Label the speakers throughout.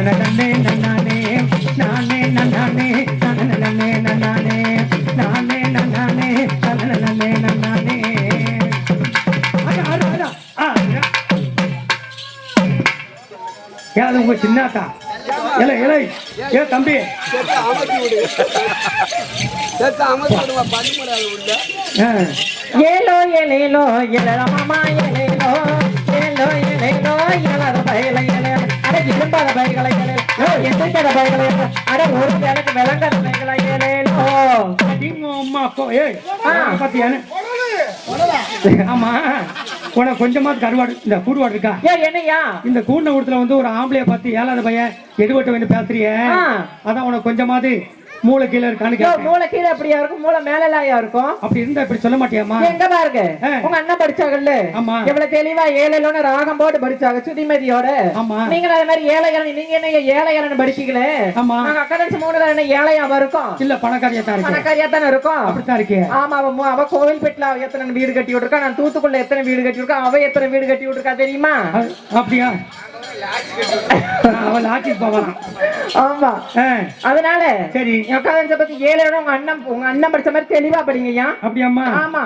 Speaker 1: நன்னே நன்னானே நானே நன்னானே நன்னே நன்னானே நானே நன்னானே நன்னே நன்னானே யாரு உங்க சின்னாத்தா இலை இலை ஏ தம்பி ஏலோ ஏலேலோ ஏலோ மாமா ஏலேலோ ஏலோ ஏலேலோ ஏலாத பைகளை ஏலே அட இரும்பாத பைகளை ஏலே எந்திரிக்காத பைகளை அட ஒரு வேலைக்கு விளங்காத பைகளை ஏலேலோ அடிங்க அம்மா அக்கோ ஏய் பாத்தியானே ஆமா உனக்கு கொஞ்சமாவது கருவாடு இந்த கூடுவாடு இருக்கா ஏன் என்னையா இந்த கூண்ட கூடத்துல வந்து ஒரு ஆம்பளைய பார்த்து ஏழாத பையன் எடுபட்ட வேணும் பேசுறிய அதான் உனக்கு கொஞ்சமாவது மூளை கீழே இருக்கான்னு மூளை கீழே அப்படியா இருக்கும் மூளை மேலயா இருக்கும் அப்படி இருந்தா இப்படி சொல்ல மாட்டியாமா எங்க பாருங்க உங்க அண்ணன் படிச்சாங்கல்ல ஆமா எவ்வளவு தெளிவா ஏழையிலோன்னு ராகம் போட்டு படிச்சாங்க சுதிமதியோட ஆமா நீங்க அதே மாதிரி ஏழைகள் நீங்க என்ன ஏழைகள் படிச்சீங்களே ஆமா நாங்க அக்கா தங்கச்சி மூணு பேர் என்ன ஏழையா இருக்கும் இல்ல பணக்காரியா தான் இருக்கு பணக்காரியா தானே இருக்கும் அப்படித்தான் இருக்கே ஆமா அவ கோவில்பேட்ல எத்தனை வீடு கட்டி விட்டுருக்கா நான் தூத்துக்குள்ள எத்தனை வீடு கட்டி விட்டுருக்கா அவ எத்தனை வீடு கட்டி விட்டுருக்கா தெரியுமா அப்படியா அவள் ஆட்சிக்கு போகலாம் ஆமா அதனால சரி உட்காந்து பத்தி ஏழு உங்க அண்ணன் படிச்ச மாதிரி தெளிவா படிங்கய்யா அப்படியாம்மா ஆமா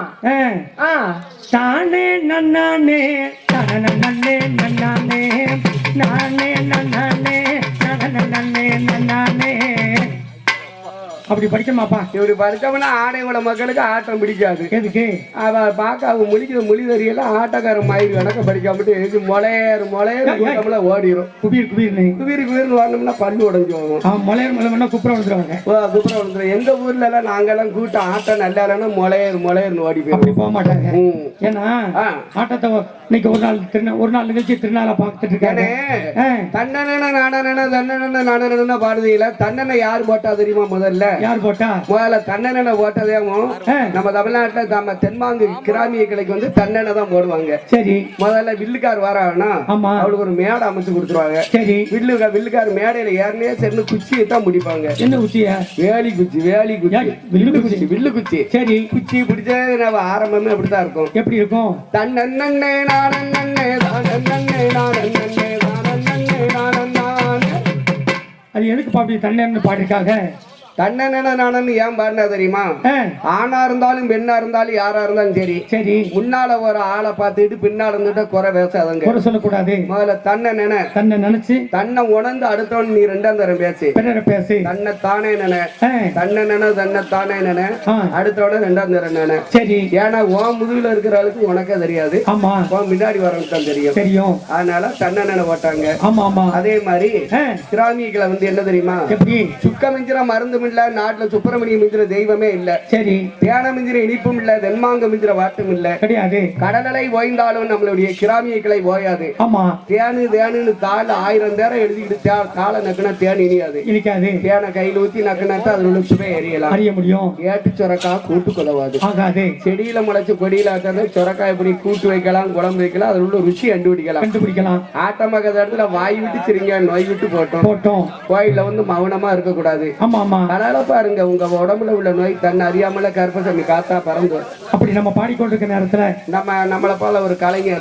Speaker 1: தானே நன்னானே நன்னே நன்னானே நானே நன்னானே நன்னே நன்னானே அப்படி படிக்கமாப்பா இப்படி படிச்சோம்னா ஆடையோட மக்களுக்கு ஆட்டம் பிடிக்காது எதுக்கு அவ பார்க்க அவங்க முழிக்கிற மொழி தெரியல ஆட்டக்காரன் மயிர் கணக்க படிக்காமட்டு எதுக்கு மொளையர் கூட்டம்ல ஓடிடும் குபீர் குபீர்னு வரணும்னா பல்லு உடஞ்சு போகும் மொளையர் மொழை குப்புற வந்துருவாங்க குப்புற வந்துடும் எங்க ஊர்ல எல்லாம் நாங்கெல்லாம் கூட்டம் ஆட்டம் நல்லா இல்லைன்னா மொளையர்னு ஓடி போய் போக மாட்டாங்க ஏன்னா ஆட்டத்தை இன்னைக்கு ஒரு நாள் நிகழ்ச்சி திருநாளா பார்த்துட்டு இருக்காரு தன்னன நானன பாடுதீங்களா தன்னனை யார் போட்டா தெரியுமா முதல்ல யார் போட்டா முதல்ல தன்னெண்ணெய் போட்டதேவும் நம்ம தமிழ்நாட்டுல நம்ம தென்மாங்கு கிராமிய கிளைக்கு வந்து தன்னெண்ணெய் தான் போடுவாங்க சரி முதல்ல வில்லுக்கார் வராங்கன்னா அவளுக்கு ஒரு மேடை அமைச்சு கொடுத்துருவாங்க சரி வில்லுக்கார் மேடையில ஏறனே சேர்ந்து குச்சியை தான் முடிப்பாங்க என்ன குச்சியா வேலி குச்சி வில்லு குச்சி சரி குச்சி பிடிச்ச நம்ம ஆரம்பமே அப்படித்தான் இருக்கும் எப்படி இருக்கும் தன்னெண்ணே நானே அது எதுக்கு பாப்பி தன்னெண்ணெய் பாடிருக்காங்க தன்னெண்ண நானன்னு ஏன் பாருனா தெரியுமா ஆணா இருந்தாலும் பெண்ணா இருந்தாலும் யாரா இருந்தாலும் சரி சரி முன்னால ஒரு ஆளை பார்த்துட்டு பின்னால இருந்துட்டு குறை பேசாதங்க குறை சொல்லக்கூடாது முதல்ல தன்னை நினைச்சு தன்னை உணர்ந்து அடுத்தவன் நீ ரெண்டாம் தரம் பேசு தன்னை தானே தன்னை தானே அடுத்தவன ரெண்டாம் தரம் நினை சரி ஏன்னா உன் முதுகுல இருக்கிற ஆளுக்கு உனக்கே தெரியாது ஆமா உன் முன்னாடி வரவனுக்கு தான் தெரியும் அதனால தன்னை போட்டாங்க ஆமா ஆமா அதே மாதிரி கிராமியங்களை வந்து என்ன தெரியுமா சுக்க மிஞ்சிற மருந்து நாட்டுல சுப்பிரமணியம் மிஞ்சிற தெய்வமே இல்ல சரி தேன மிஞ்சிற இனிப்பும் இல்ல தென்மாங்க மிஞ்சிற வாட்டும் இல்ல கிடையாது கடலலை ஓய்ந்தாலும் நம்மளுடைய கிராமிய கிளை ஓயாது ஆமா தேனு தாள் 1000 நேரம் எழுதிக்கிட்டு காலை நக்குனா தேன் இனிக்காது தேனை கையில் ஊத்தி நக்குனாட்டா அதுல உள்ள சுவை எரியலாம் அறிய முடியும் ஏட்டு சொரக்கா கூட்டு கொலவாது ஆகாது செடியில முளைச்சு கொடியில சொரக்கா எப்படி கூட்டு வைக்கலாம் குழம்பு வைக்கலாம் அதுல உள்ள ருசி கண்டுபிடிக்கலாம் ஆட்டமாக இடத்துல வாய் விட்டு சிரிங்க நோய் விட்டு போட்டோம் கோயில்ல வந்து மௌனமா இருக்க கூடாது ஆமா ஆமா அதனால பாருங்க உங்க உடம்புல உள்ள நோய் தன்னை அறியாமல கருப்பசாமி காத்தா பறந்து அப்படி நம்ம பாடிக்கொண்டிருக்க நேரத்துல நம்மளை போல ஒரு கலைஞர்